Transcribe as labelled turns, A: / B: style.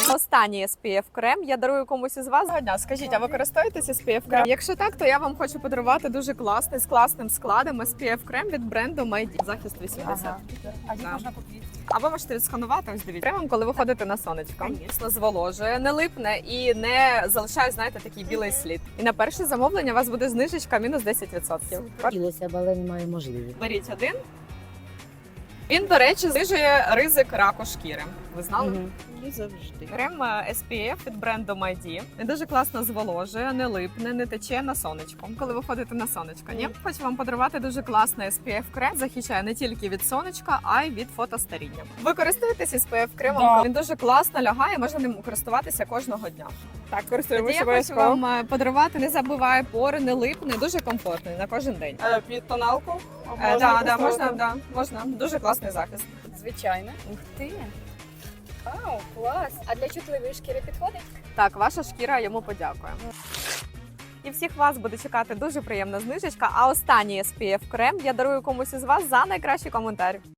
A: Останній SPF крем я дарую комусь із вас. Доброго дня. Скажіть, а ви користуєтесь SPF крем? Якщо так, то я вам хочу подарувати дуже класний, з класним складом SPF крем від бренду MyD. Захист 80.
B: Ага. А де
A: Да.
B: можна купити?
A: А ви можете відсканувати, ось дивіться. Кремом, коли ви ходите на сонечко. Звісно, зволожує, не липне і не залишає, знаєте, такий білий слід. І на перше замовлення у вас буде знижечка мінус 10%.
B: Хотілося б, але немає можливості.
A: Беріть один. Він, до речі, знижує ризик раку шкіри. Ви знали?
B: Не завжди.
A: Крем SPF від бренду MyD. Він дуже класно зволожує, не липне, не тече на сонечко. Коли ви ходите на сонечко, ні? Хочу вам подарувати дуже класний SPF крем. Захищає не тільки від сонечка, а й від фотостаріння. Ви користуєтесь SPF кремом?
B: Да.
A: Він дуже класно лягає, можна ним користуватися кожного дня.
C: Так,
A: Тоді
C: користуємося
A: я хочу
C: обов'язково.
A: вам подарувати, не забиває пори, не липне, дуже комфортний на кожен день.
C: Під тоналку?
A: Можна. Дуже класний захист.
B: Звичайно.
D: Ух ти! Вау, клас! А для чутливої шкіри підходить?
A: Так, ваша шкіра йому подякує. І всіх вас буде чекати дуже приємна знижечка. А останній SPF крем я дарую комусь із вас за найкращий коментар.